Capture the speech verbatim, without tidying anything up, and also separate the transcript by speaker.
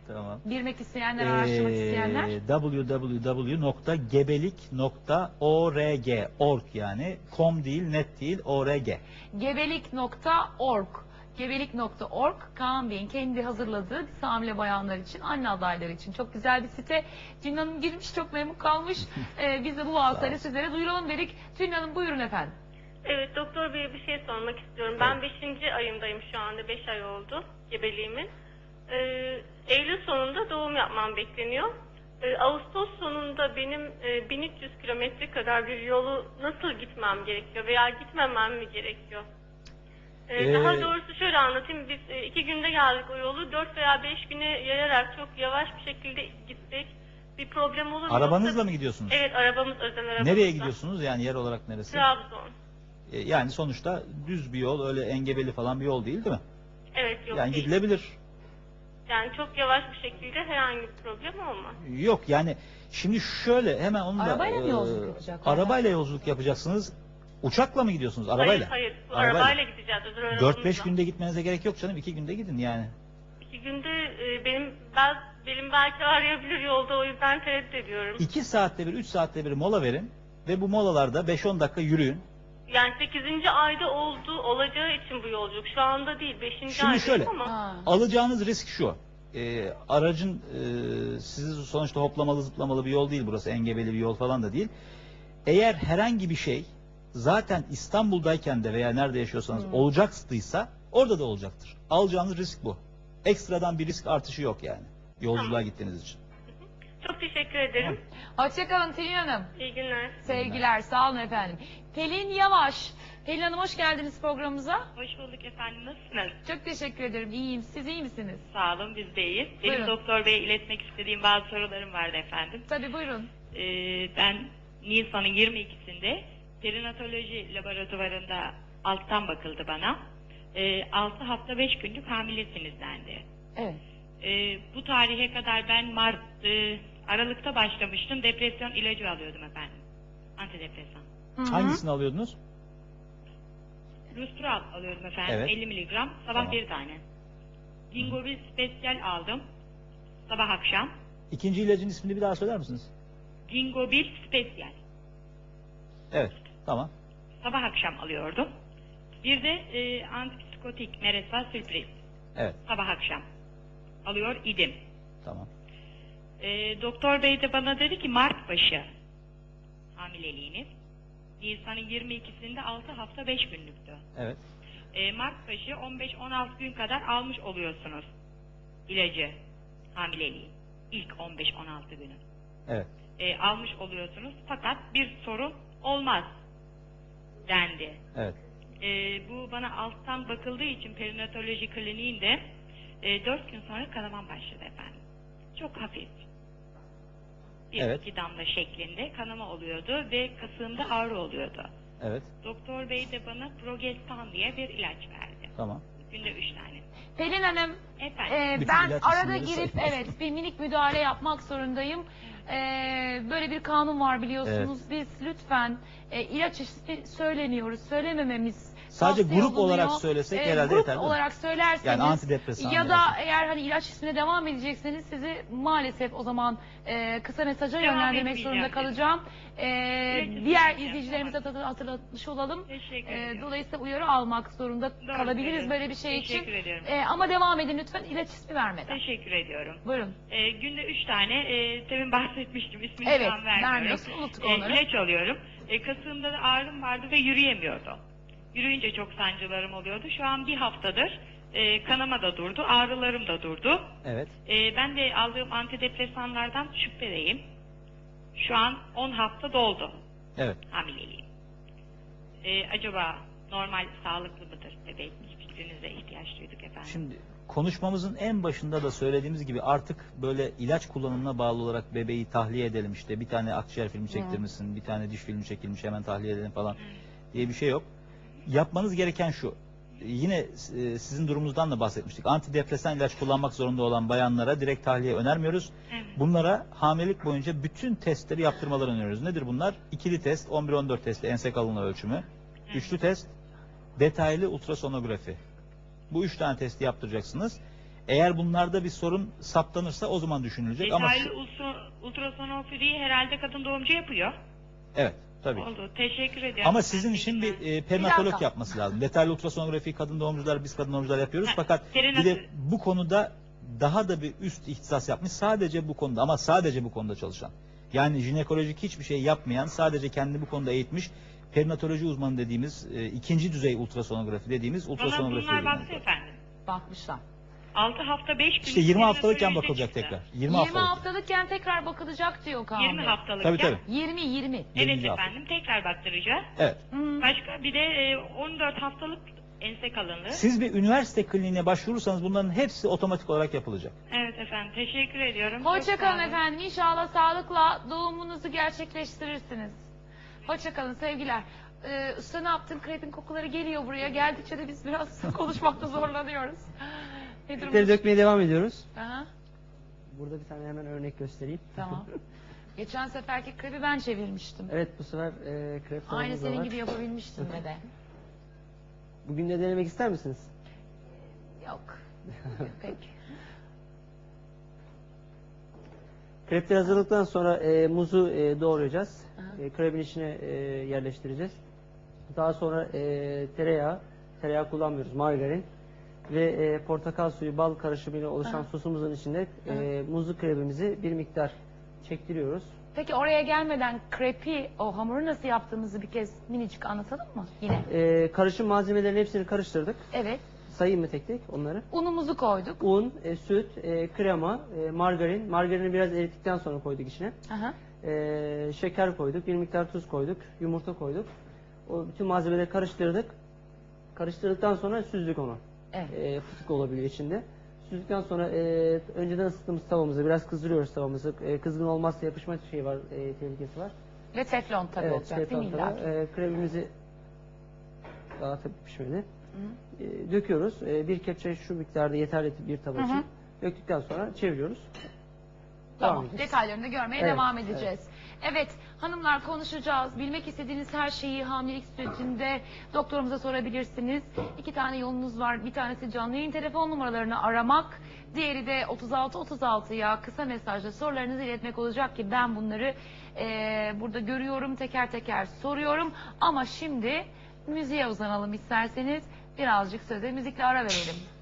Speaker 1: Tamam.
Speaker 2: Bilmek isteyenler, araştırmak isteyenler.
Speaker 1: Ee, w w w nokta gebelik nokta org org yani com değil, net değil, org.
Speaker 2: gebelik nokta org gebelik nokta org Kaan Bey'in kendi hazırladığı dizi hamile bayanlar için, anne adayları için çok güzel bir site. Tülin Hanım girmiş, çok memnun kalmış. ee, biz de bu vasıtayla sizlere duyuralım dedik. Tülin Hanım buyurun efendim.
Speaker 3: Evet, doktor beye bir şey sormak istiyorum. Ben beşinci ayımdayım şu anda. beş ay oldu gebeliğimin. Ee, Eylül sonunda doğum yapmam bekleniyor. Ee, Ağustos sonunda benim e, bin üç yüz kilometre kadar bir yolu nasıl gitmem gerekiyor veya gitmemem mi gerekiyor? Ee,
Speaker 1: Ee,
Speaker 3: Daha doğrusu şöyle anlatayım. Biz e, iki günde geldik o yolu. Dört veya beş güne yayarak çok yavaş bir şekilde gitsek bir problem olur mu?
Speaker 1: Arabanızla
Speaker 3: Yoksa-
Speaker 1: mı gidiyorsunuz?
Speaker 3: Evet, arabamız, özel arabamız.
Speaker 1: Nereye gidiyorsunuz? Yani yer olarak neresi?
Speaker 3: Trabzon.
Speaker 1: Ee, yani sonuçta düz bir yol, öyle engebeli falan bir yol değil, değil mi?
Speaker 3: Evet, yok
Speaker 1: Yani
Speaker 3: değil.
Speaker 1: gidilebilir.
Speaker 3: Yani çok yavaş bir şekilde herhangi bir problem olmaz.
Speaker 1: Yok yani şimdi şöyle hemen onu da...
Speaker 2: Arabayla mı
Speaker 1: e,
Speaker 2: yolculuk yapacaklar?
Speaker 1: Arabayla yolculuk yapacaksınız. Uçakla mı gidiyorsunuz? Arabayla.
Speaker 3: Hayır, hayır. Bu
Speaker 1: Arabayla.
Speaker 3: arabayla gideceğiz. özel
Speaker 1: dört beş
Speaker 3: arabamızla.
Speaker 1: günde gitmenize gerek yok canım. iki günde gidin yani.
Speaker 3: İki günde e, benim ben benim belki arayabilir yolda, o yüzden tereddüt ediyorum.
Speaker 1: iki saatte bir, üç saatte bir mola verin. Ve bu molalarda beş on dakika yürüyün.
Speaker 3: Yani sekizinci ayda oldu, olacağı için bu yolculuk. Şu anda değil, beşinci
Speaker 1: Şimdi
Speaker 3: aydayım
Speaker 1: şöyle.
Speaker 3: ama.
Speaker 2: Ha.
Speaker 1: Alacağınız risk şu. Ee, aracın e, sizi sonuçta hoplamalı zıplamalı bir yol değil burası. Engebeli bir yol falan da değil. Eğer herhangi bir şey zaten İstanbul'dayken de veya nerede yaşıyorsanız
Speaker 2: Hmm.
Speaker 1: olacaktıysa orada da olacaktır. Alacağınız risk bu. Ekstradan bir risk artışı yok yani. Yolculuğa
Speaker 3: Tamam.
Speaker 1: gittiğiniz için.
Speaker 3: Çok teşekkür ederim.
Speaker 2: Hoşçakalın Tülin Hanım.
Speaker 3: İyi günler.
Speaker 2: Sevgiler, sağ olun efendim. Pelin Yavaş. Pelin Hanım hoş geldiniz programımıza.
Speaker 4: Hoş bulduk efendim. Nasılsınız?
Speaker 2: Çok teşekkür ederim. İyiyim. Siz iyi misiniz?
Speaker 4: Sağ olun, biz de iyiyiz. Benim
Speaker 2: Buyurun.
Speaker 4: doktor beye iletmek istediğim bazı sorularım vardı efendim.
Speaker 2: Tabii buyurun.
Speaker 4: Ee, ben Nisan'ın yirmi ikisinde perinatoloji laboratuvarında alttan bakıldı bana. Ee, altı hafta beş günlük hamilesiniz dendi.
Speaker 2: Evet.
Speaker 4: Ee, bu tarihe kadar ben Mart, e, Aralık'ta başlamıştım. Depresyon ilacı alıyordum efendim. Antidepresan.
Speaker 2: Hı hı.
Speaker 1: Hangisini alıyordunuz?
Speaker 4: Lustral alıyordum efendim.
Speaker 1: Evet.
Speaker 4: elli miligram. Sabah
Speaker 1: Tamam.
Speaker 4: bir tane. Gingobil Special aldım. Sabah akşam.
Speaker 1: İkinci ilacın ismini bir daha söyler misiniz?
Speaker 4: Gingobil Special.
Speaker 1: Evet. Tamam.
Speaker 4: Sabah akşam alıyordum. Bir de e, antipsikotik Meresa Sürpriz.
Speaker 1: Evet.
Speaker 4: Sabah akşam alıyor idim.
Speaker 1: Tamam.
Speaker 4: E, doktor bey de bana dedi ki Mart başı hamileliğiniz. Nisan'ın yirmi ikisinde altı hafta beş günlüktü.
Speaker 1: Evet.
Speaker 4: E, Mart başı on beş on altı gün kadar almış oluyorsunuz ilacı, hamileliği. İlk on beş on altı günü.
Speaker 1: Evet.
Speaker 4: E, almış oluyorsunuz fakat bir sorun olmaz dendi.
Speaker 1: Evet.
Speaker 4: E, bu bana alttan bakıldığı için perinatoloji kliniğinde e, dört gün sonra kanamam başladı efendim. Çok hafif. Bir
Speaker 1: Evet.
Speaker 4: iki damla şeklinde kanama oluyordu ve kasığımda ağrı oluyordu.
Speaker 1: Evet.
Speaker 4: Doktor bey de bana Progestan diye bir ilaç verdi.
Speaker 1: Tamam.
Speaker 4: Günde üç tane.
Speaker 2: Pelin Hanım,
Speaker 4: Efendim.
Speaker 2: e,
Speaker 1: Bütün
Speaker 2: ben
Speaker 1: ilaç
Speaker 2: arada
Speaker 1: isimleri
Speaker 2: girip
Speaker 1: sayın.
Speaker 2: evet bir minik müdahale yapmak zorundayım. E, böyle bir kanun var biliyorsunuz. Biz lütfen e, ilaç ismi söyleniyoruz. Söylemememiz
Speaker 1: Sadece
Speaker 2: tavsiye
Speaker 1: grup olarak
Speaker 2: olunuyor.
Speaker 1: söylesek
Speaker 2: E,
Speaker 1: herhalde
Speaker 2: grup
Speaker 1: yeterli.
Speaker 2: olarak söylerseniz
Speaker 1: Yani antidepresan
Speaker 2: ya da
Speaker 1: diyorsun.
Speaker 2: eğer hani ilaç ismine devam edecekseniz sizi maalesef o zaman e, kısa mesaja
Speaker 4: Devam
Speaker 2: yönlendirmek
Speaker 4: etmeyeceğim
Speaker 2: zorunda
Speaker 4: dedi.
Speaker 2: kalacağım. E,
Speaker 4: İlaç
Speaker 2: diğer
Speaker 4: ismini
Speaker 2: izleyicilerimize
Speaker 4: tamam.
Speaker 2: de hatırlatmış olalım.
Speaker 4: Teşekkür
Speaker 2: E,
Speaker 4: ederim.
Speaker 2: dolayısıyla uyarı almak zorunda
Speaker 4: Doğru
Speaker 2: kalabiliriz
Speaker 4: söylüyorsun.
Speaker 2: böyle bir şey için.
Speaker 4: Teşekkür ediyorum.
Speaker 2: E, ama devam edin lütfen ilaç ismi vermeden.
Speaker 4: Teşekkür ediyorum.
Speaker 2: Buyurun.
Speaker 4: E, günde üç tane, e, demin bahsetmiştim, ismini
Speaker 2: Evet,
Speaker 4: şu an vermiyorum.
Speaker 2: vermiyorsun, unuttuk
Speaker 4: E,
Speaker 2: onları.
Speaker 4: ilaç alıyorum. E, kasığımda da ağrım vardı ve yürüyemiyordum. Yürüyünce çok sancılarım oluyordu. Şu an bir haftadır e, kanama da durdu, ağrılarım da durdu.
Speaker 1: Evet.
Speaker 4: E, ben de aldığım antidepresanlardan şüphedeyim. Şu an on hafta doldu
Speaker 1: Evet.
Speaker 4: hamileliğim. E, acaba normal, sağlıklı mıdır bebek? Fikrinize ihtiyaç duyduk efendim.
Speaker 1: Şimdi konuşmamızın en başında da söylediğimiz gibi artık böyle ilaç kullanımına bağlı olarak bebeği tahliye edelim, işte bir tane akciğer filmi çektirmişsin, bir tane diş filmi çekilmiş hemen tahliye edelim falan diye bir şey yok. Yapmanız gereken şu. Yine e, sizin durumunuzdan da bahsetmiştik. Antidepresan ilaç kullanmak zorunda olan bayanlara direkt tahliye önermiyoruz.
Speaker 4: Evet.
Speaker 1: Bunlara hamilelik boyunca bütün testleri yaptırmalarını öneriyoruz. Nedir bunlar? İkili test, on bir on dört testi, ense kalınlığı ölçümü. Üçlü test, detaylı ultrasonografi. Bu üç tane testi yaptıracaksınız. Eğer bunlarda bir sorun saptanırsa o zaman düşünülecek. Ama
Speaker 4: Detaylı
Speaker 1: şu-
Speaker 4: ultra, ultrasonografiyi herhalde kadın doğumcu yapıyor.
Speaker 1: evet tabii.
Speaker 4: Oldu. Teşekkür ediyorum.
Speaker 1: Ama sizin için bir e, perinatolog
Speaker 2: dakika.
Speaker 1: yapması lazım. Detaylı ultrasonografi kadın doğumcular, biz kadın doğumcular yapıyoruz.
Speaker 4: Ha,
Speaker 1: Fakat bir
Speaker 4: perinat-
Speaker 1: de bu konuda daha da bir üst ihtisas yapmış. Sadece bu konuda, ama sadece bu konuda çalışan. Yani jinekolojik hiçbir şey yapmayan, sadece kendini bu konuda eğitmiş perinatoloji uzmanı dediğimiz, e, ikinci düzey ultrasonografi dediğimiz
Speaker 4: Bana
Speaker 1: ultrasonografi.
Speaker 4: bunlar
Speaker 1: uzmanı.
Speaker 4: baktı efendim.
Speaker 2: Bakmışlar.
Speaker 4: altı hafta beş gün.
Speaker 1: İşte yirmi haftalıkken
Speaker 4: perinatolojide
Speaker 1: bakılacak
Speaker 4: çıktı.
Speaker 1: tekrar. yirmi,
Speaker 2: yirmi
Speaker 1: haftalık.
Speaker 2: haftalıkken tekrar bakılacak diyor Kaan
Speaker 4: yirmi
Speaker 2: Bey.
Speaker 4: haftalıkken.
Speaker 1: Tabii tabii.
Speaker 2: yirmi yirmi.
Speaker 4: Evet
Speaker 1: yirminci hafta.
Speaker 4: efendim. Tekrar baktıracağız.
Speaker 1: Evet.
Speaker 2: Hmm.
Speaker 4: Başka bir de e, on dört haftalık ense kalınlığı.
Speaker 1: Siz bir üniversite kliniğine başvurursanız bunların hepsi otomatik olarak yapılacak.
Speaker 4: Evet efendim. Teşekkür ediyorum. Çok sağ
Speaker 2: Hoşçakalın
Speaker 4: olun.
Speaker 2: efendim. İnşallah sağlıkla doğumunuzu gerçekleştirirsiniz. Hoşçakalın sevgiler. Ee, usta ne yaptın? Krepin kokuları geliyor buraya. Geldikçe de biz biraz konuşmakta zorlanıyoruz. Ne
Speaker 5: Krepleri
Speaker 2: durumda?
Speaker 5: dökmeye devam ediyoruz.
Speaker 2: Aha,
Speaker 5: Burada bir tane hemen örnek göstereyim.
Speaker 2: tamam. Geçen seferki krepi ben çevirmiştim.
Speaker 5: Evet, bu sefer e, krep
Speaker 2: Aynı
Speaker 5: tavamız da
Speaker 2: senin
Speaker 5: var.
Speaker 2: gibi yapabilmiştim ve de.
Speaker 5: Bugün de denemek ister misiniz?
Speaker 2: Yok. Peki.
Speaker 5: Krepleri hazırladıktan sonra e, muzu e, doğrayacağız.
Speaker 2: Aha.
Speaker 5: E, krebin içine e, yerleştireceğiz. Daha sonra e, tereyağı, tereyağı kullanmıyoruz, margarin ve e, portakal suyu, bal karışımıyla oluşan
Speaker 2: Aha.
Speaker 5: sosumuzun içinde e, muzlu krebimizi bir miktar çektiriyoruz.
Speaker 2: Peki oraya gelmeden krepi, o hamuru nasıl yaptığımızı bir kez minicik anlatalım mı yine?
Speaker 5: E, karışım malzemelerin hepsini karıştırdık.
Speaker 2: Evet.
Speaker 5: Sayayım mı tek tek onları?
Speaker 2: Unumuzu koyduk.
Speaker 5: Un, e, süt, e, krema, e, margarin. Margarini biraz erittikten sonra koyduk içine.
Speaker 2: Aha.
Speaker 5: E, şeker koyduk, bir miktar tuz koyduk, yumurta koyduk. O bütün malzemeleri karıştırdık. Karıştırdıktan sonra süzdük onu.
Speaker 2: Evet.
Speaker 5: E, fıstık olabiliyor içinde. Süzdükten sonra e, önceden ısıttığımız tavamızı biraz kızdırıyoruz tavamızı. E, kızgın olmazsa yapışma şeyi var, e, tehlikesi var.
Speaker 2: Ve teflon tabii
Speaker 5: evet,
Speaker 2: olacak değil mi
Speaker 5: teflon tava.
Speaker 2: illa ki?
Speaker 5: E, kremimizi dağıtıp pişmeli. E, döküyoruz. E, bir kepçe şu miktarda yeterli bir tabak
Speaker 2: Hı hı.
Speaker 5: için. Döktükten sonra çeviriyoruz.
Speaker 2: Tamam.
Speaker 5: Devam edeceğiz.
Speaker 2: Detaylarını görmeye
Speaker 5: Evet,
Speaker 2: devam edeceğiz. Evet. hanımlar konuşacağız. Bilmek istediğiniz her şeyi hamilelik sürecinde doktorumuza sorabilirsiniz. İki tane yolunuz var. Bir tanesi canlı yayın telefon numaralarını aramak. Diğeri de otuz altı otuz altıya kısa mesajla sorularınızı iletmek olacak ki ben bunları eee, burada görüyorum. Teker teker soruyorum. Ama şimdi müziğe uzanalım isterseniz. Birazcık söze müzikle ara verelim.